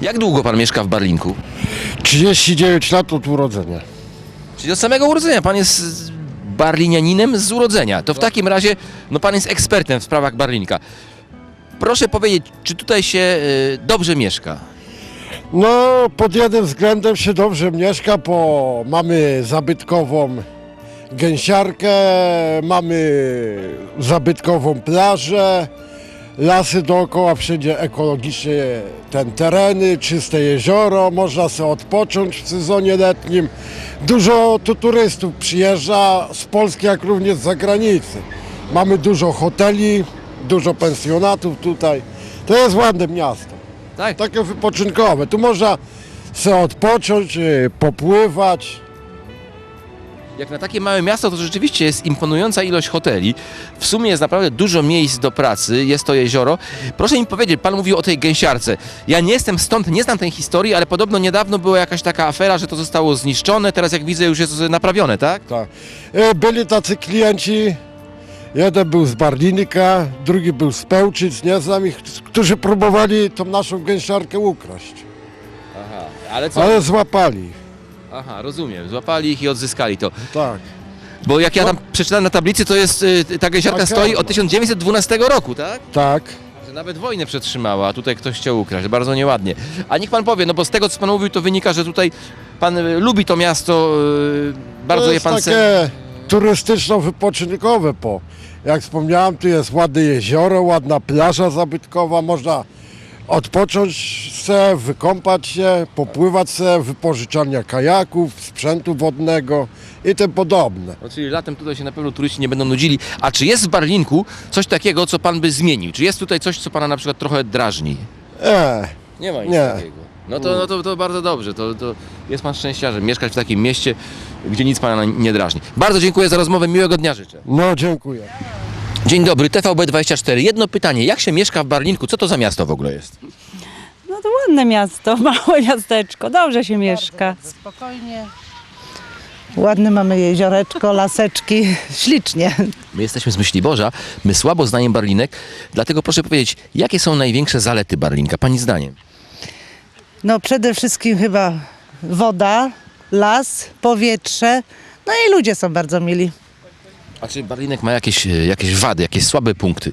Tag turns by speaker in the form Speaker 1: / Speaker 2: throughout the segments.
Speaker 1: Jak długo pan mieszka w Barlinku?
Speaker 2: 39 lat od urodzenia.
Speaker 1: Czyli od samego urodzenia. Pan jest barlinianinem z urodzenia. To w takim razie, no pan jest ekspertem w sprawach Barlinka. Proszę powiedzieć, czy tutaj się dobrze mieszka?
Speaker 2: No, pod jednym względem się dobrze mieszka, bo mamy zabytkową gęsiarkę, mamy zabytkową plażę, lasy dookoła, wszędzie ekologicznie tereny, czyste jezioro, można sobie odpocząć w sezonie letnim. Dużo tu turystów przyjeżdża z Polski, jak również z zagranicy. Mamy dużo hoteli, dużo pensjonatów tutaj. To jest ładne miasto.
Speaker 1: Tak.
Speaker 2: Takie wypoczynkowe. Tu można sobie odpocząć, popływać.
Speaker 1: Jak na takie małe miasto, to rzeczywiście jest imponująca ilość hoteli. W sumie jest naprawdę dużo miejsc do pracy, jest to jezioro. Proszę mi powiedzieć, pan mówił o tej gęsiarce. Ja nie jestem stąd, nie znam tej historii, ale podobno niedawno była jakaś taka afera, że to zostało zniszczone, teraz jak widzę już jest naprawione, tak?
Speaker 2: Tak. Byli tacy klienci, jeden był z Barlinika, drugi był z Pełczyc, nie znam ich, którzy próbowali tą naszą gęsiarkę ukraść.
Speaker 1: Aha, ale co?
Speaker 2: Ale złapali.
Speaker 1: Aha, rozumiem, złapali ich i odzyskali to.
Speaker 2: Tak.
Speaker 1: Bo jak ja tam przeczytałem na tablicy, to jest, ta gęsiarka
Speaker 2: Taka.
Speaker 1: stoi od 1912 roku, tak?
Speaker 2: Tak.
Speaker 1: Że nawet wojnę przetrzymała, a tutaj ktoś chciał ukraść, bardzo nieładnie. A niech pan powie, no bo z tego co pan mówił, to wynika, że tutaj pan lubi to miasto, bardzo
Speaker 2: To
Speaker 1: je
Speaker 2: jest
Speaker 1: pan
Speaker 2: takie turystyczno-wypoczynkowe, bo jak wspomniałem, tu jest ładne jezioro, ładna plaża zabytkowa, można odpocząć se, wykąpać się, popływać se, wypożyczalnia kajaków, sprzętu wodnego i tym podobne.
Speaker 1: No, czyli latem tutaj się na pewno turyści nie będą nudzili. A czy jest w Barlinku coś takiego, co pan by zmienił? Czy jest tutaj coś, co pana na przykład trochę drażni? Nie ma nic
Speaker 2: Nie.
Speaker 1: takiego. No to bardzo dobrze. To jest pan szczęściarzem. Mieszkać w takim mieście, gdzie nic pana nie drażni. Bardzo dziękuję za rozmowę. Miłego dnia życzę.
Speaker 2: No, dziękuję.
Speaker 1: Dzień dobry, TVB24. Jedno pytanie. Jak się mieszka w Barlinku? Co to za miasto w ogóle jest?
Speaker 3: No to ładne miasto, małe miasteczko, dobrze się mieszka.
Speaker 4: Spokojnie. Ładne mamy jezioreczko, laseczki, ślicznie.
Speaker 1: My jesteśmy z Myśliborza. My słabo znajemy Barlinek. Dlatego proszę powiedzieć, jakie są największe zalety Barlinka, pani zdaniem?
Speaker 4: No przede wszystkim chyba woda, las, powietrze, no i ludzie są bardzo mili.
Speaker 1: A czy Barlinek ma jakieś wady, jakieś słabe punkty?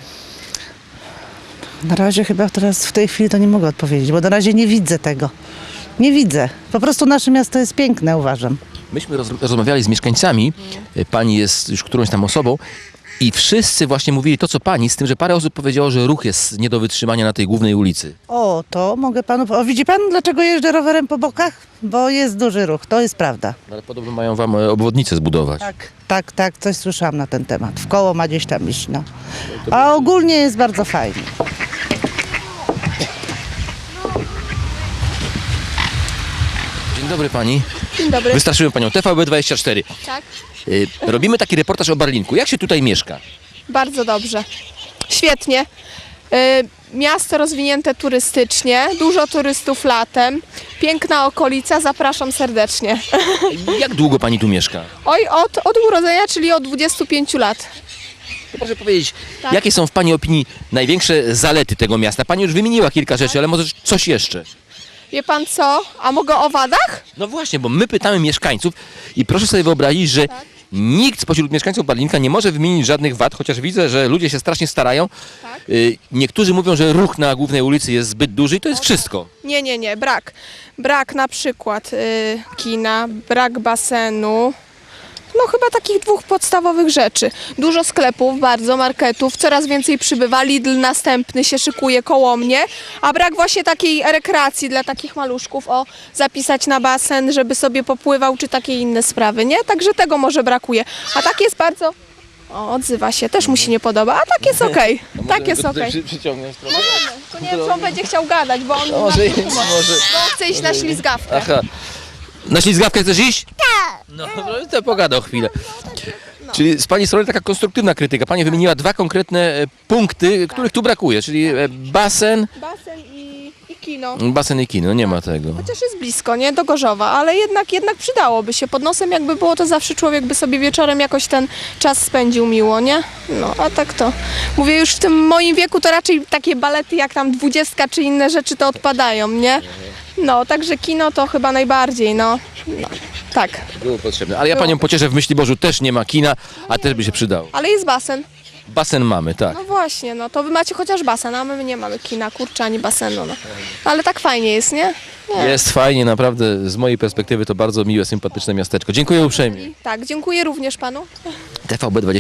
Speaker 4: Na razie chyba teraz w tej chwili to nie mogę odpowiedzieć, bo na razie nie widzę tego. Nie widzę. Po prostu nasze miasto jest piękne, uważam.
Speaker 1: Myśmy rozmawiali z mieszkańcami, pani jest już którąś tam osobą i wszyscy właśnie mówili to, co pani, z tym, że parę osób powiedziało, że ruch jest nie do wytrzymania na tej głównej ulicy.
Speaker 4: O, to mogę panu... O, widzi pan, dlaczego jeżdżę rowerem po bokach? Bo jest duży ruch, to jest prawda.
Speaker 1: Ale podobno mają wam obwodnicę zbudować.
Speaker 4: Tak, coś słyszałam na ten temat. W koło ma gdzieś tam iść, no. A ogólnie jest bardzo fajnie.
Speaker 1: Dzień dobry pani.
Speaker 5: Dzień dobry.
Speaker 1: Wystraszyłem panią, TVB24.
Speaker 5: Tak,
Speaker 1: Robimy taki reportaż o Barlinku. Jak się tutaj mieszka?
Speaker 5: bardzo dobrze. Świetnie. Miasto rozwinięte turystycznie, dużo turystów latem, piękna okolica, zapraszam serdecznie.
Speaker 1: Jak długo pani tu mieszka?
Speaker 5: Oj, od urodzenia, czyli od 25 lat.
Speaker 1: To proszę powiedzieć,
Speaker 5: Tak.
Speaker 1: jakie są w pani opinii największe zalety tego miasta? Pani już wymieniła kilka rzeczy, ale może coś jeszcze?
Speaker 5: Wie pan co? A mogę o wadach?
Speaker 1: No właśnie, bo my pytamy mieszkańców i proszę sobie wyobrazić, że nikt spośród mieszkańców Barlinka nie może wymienić żadnych wad, chociaż widzę, że ludzie się strasznie starają.
Speaker 5: Tak.
Speaker 1: Niektórzy mówią, że ruch na głównej ulicy jest zbyt duży i to jest wszystko.
Speaker 5: Nie, brak. Brak na przykład kina, brak basenu. No chyba takich dwóch podstawowych rzeczy. Dużo sklepów, bardzo marketów, coraz więcej przybywa, Lidl następny się szykuje koło mnie, a brak właśnie takiej rekreacji dla takich maluszków, zapisać na basen, żeby sobie popływał, czy takie inne sprawy, nie? Także tego może brakuje. A tak jest bardzo... odzywa się, też mu się nie podoba, a tak jest okej. Tak jest okej.
Speaker 1: Przyciągnąć trochę.
Speaker 5: Możemy, to nie wiem, czy on będzie chciał gadać, bo on,
Speaker 1: Może,
Speaker 5: bo on chce iść na ślizgawkę.
Speaker 1: Aha. Na ślizgawkę chcesz iść? Tak. No to pogadał chwilę. Czyli z pani strony taka konstruktywna krytyka. Pani wymieniła dwa konkretne punkty, których tu brakuje, czyli basen
Speaker 5: Basen i kino.
Speaker 1: Basen i kino, nie ma tego.
Speaker 5: Chociaż jest blisko, nie? Do Gorzowa, ale jednak przydałoby się. Pod nosem jakby było, to zawsze człowiek by sobie wieczorem jakoś ten czas spędził miło, nie? No, a tak to... Mówię, już w tym moim wieku to raczej takie balety jak tam 20 czy inne rzeczy to odpadają, nie? No, także kino to chyba najbardziej, no. Tak.
Speaker 1: Było potrzebne. Ale ja panią pocieszę, w Myśliborzu też nie ma kina, a też by się przydało.
Speaker 5: Ale jest basen.
Speaker 1: Basen mamy, tak.
Speaker 5: No właśnie, no to wy macie chociaż basen, a my nie mamy kina, kurczę, ani basenu, no. Ale tak fajnie jest, nie? Nie.
Speaker 1: Jest fajnie, naprawdę z mojej perspektywy to bardzo miłe, sympatyczne miasteczko. Dziękuję uprzejmie.
Speaker 5: Tak, dziękuję również panu.
Speaker 1: TVB24